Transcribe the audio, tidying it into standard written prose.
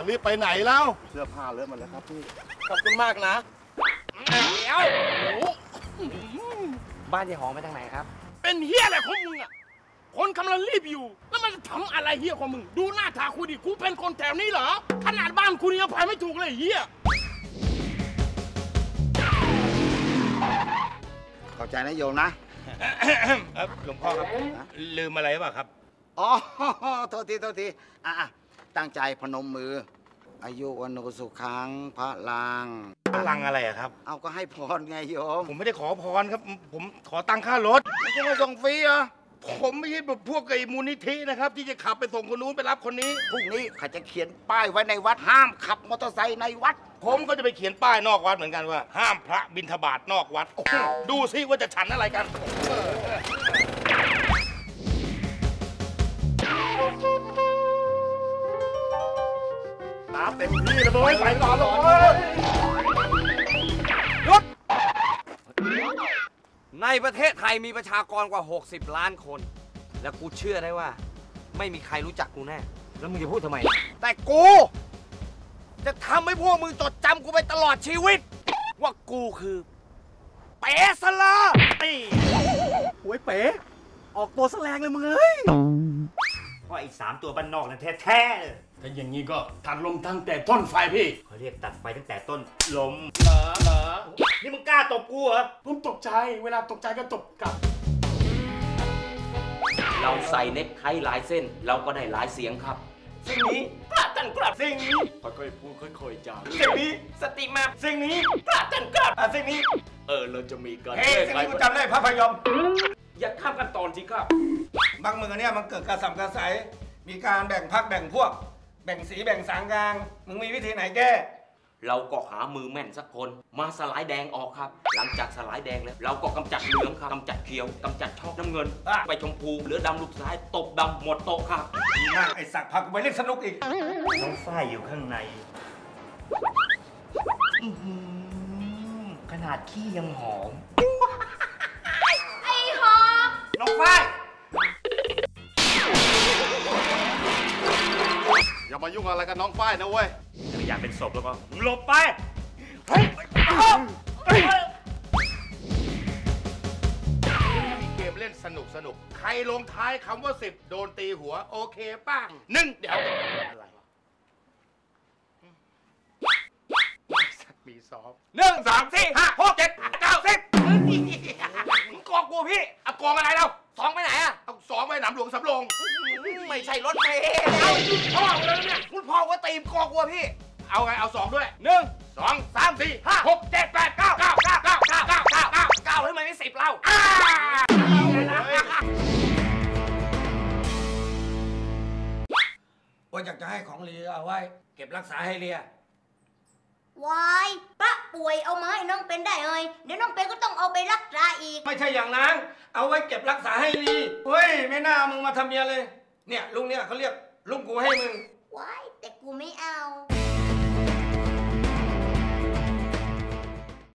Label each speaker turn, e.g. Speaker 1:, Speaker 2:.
Speaker 1: รีบไปไหนแล้วเสื้อผ้าเลอะหมดแล้วครับพี่ขอบคุณมากนะ
Speaker 2: เดี๋ยวบ้านยายหอมไปทางไหนครับ
Speaker 3: เป็นเฮียอะไรของมึงอ่ะคนกำลังรีบอยู่แล้วมันจะทำอะไรเฮียของมึงดูหน้าตากูดิกูเป็นคนแถวนี้เหรอขนาดบ้านกูยังพายไม่ถูกเลยเฮีย
Speaker 4: เข้าใจนะโยมนะ
Speaker 2: หลวงพ่อครับลืมอะไรป่ะครับ
Speaker 4: อ๋อโทษทีตั้งใจพนมมืออายุวันโนสุขังพระลัง
Speaker 2: พลังอะไรอะครับ
Speaker 4: เอาก็ให้พรไงโยม
Speaker 2: ผมไม่ได้ขอพรครับผมขอตังค่ารถ
Speaker 4: ไม่ใช่มาส่งฟรีเหรอ
Speaker 2: ผมไม่ใช่แบบพวกไอ้มูลนิธินะครับที่จะขับไปส่งคนนู้นไปรับคนนี้
Speaker 4: พรุ่งนี้เขาจะเขียนป้ายไว้ในวัดห้ามขับมอเตอร์ไซค์ในวัด
Speaker 2: ผมก็จะไปเขียนป้ายนอกวัดเหมือนกันว่าห้ามพระบิณฑบาตนอกวัดดูซิว่าจะฉันอะไรกัน
Speaker 1: น้ำเต็มที่เลยไปต่อเลย
Speaker 5: หยุดในประเทศไทยมีประชากรกว่า60 ล้านคนและกูเชื่อได้ว่าไม่มีใครรู้จักกูแน่แล้วมึงจะพูดทำไมแต่กูจะทำให้พวกมึงจดจำกูไปตลอดชีวิตว่ากูคือเป๋สลา
Speaker 3: โอ้ยเป๋ออกตัวแสลงเลยมึงเอ้ย
Speaker 2: ว่าอีก3 ตัวบ้านนอกนั่นแท้ๆเลย
Speaker 3: ถ้าอย่างนี้ก็ตัดลมตั้งแต่ต้นไฟพี่
Speaker 2: เขาเรียกตัดไฟตั้งแต่ต้นลม
Speaker 3: เหรอ
Speaker 2: นี่มึงกล้าตบกูเหรอ
Speaker 3: ผมตกใจเวลาตกใจก็ตบกลับ
Speaker 5: เราใส่เน็กไทหลายเส้นเราก็ได้หลายเสียงครับสิ่งนี้พระท่านกลับสิ่งนี้
Speaker 3: ค่อยๆพูดค่อยๆจา
Speaker 5: สิ่งนี้สติมาสิ่งนี้พระท่านกลับสิ่งนี้เราจะมีการ
Speaker 2: สิ่งนี้กูจำได้พระพยอม
Speaker 5: อย่าข้ามกันตอนสิครับ
Speaker 2: บางเมืองเนี่ยมันเกิดการสัมกระสายมีการแบ่งพรรคแบ่งพวกแบ่งสีแบ่งสางกลางมึงมีวิธีไหนแก้
Speaker 5: เราก็หามือแม่นสักคนมาสลายแดงออกครับหลังจากสลายแดงแล้วเราก็กำจัดเหลืองครับกำจัดเขียวกำจัดช็อกน้ำเงินไปชมพูเหลือดำลูกซ้ายตบดำหมดโต๊ะครับ
Speaker 2: ดีมากไอ้สักพักกูไปเล่นสนุกอีกน้องฝ้ายอยู่ข้างในขนาดขี้ยังหอม
Speaker 6: ไอ้หอม
Speaker 2: น้องฝ้าย
Speaker 1: อย่ามายุ่งอะไรกับน้องฝ้ายนะเว้ย
Speaker 2: ถ้าอยากเป็นศพแล้วก็หลบไปเฮ้ยมีเกมเล่นสนุกใครลงท้ายคำว่า10โดนตีหัวโอเคป้าง1เดี๋ยวอะไรมี2 1 3 4 5 6 7 9 10มึงกองกูพี่เอากองอะไรเรา2ไปไหนอะเอา2ไปหนำหลวงสำโรง
Speaker 5: ไม่ใช่รถเมล์
Speaker 2: พ่อเลยเนี่ย
Speaker 5: คุณพ่อว่าตีมกองกูพี่
Speaker 2: เอาไงเอา2ด้วย1 2 3 4 5 6 7 8 9 9 9 9 9 9 9
Speaker 5: 9ให้มันไม่10เรา
Speaker 2: ว่าอยากจะให้ของเลียเอาไว้เก็บรักษาให้เลียว
Speaker 6: ายป้าป่วยเอามาให้น้องเป็นได้เลยเดี๋ยวน้องเป็นก็ต้องเอาไปรักษาอีก
Speaker 2: ไม่ใช่อย่างนั้นเอาไว้เก็บรักษาให้ลีเฮ้ยไม่น่ามึงมาทำเมียเลยเนี่ยลุงเนี่ยเขาเรียกลุงกูให้มึง
Speaker 6: ว้ายแต่กูไม่เอา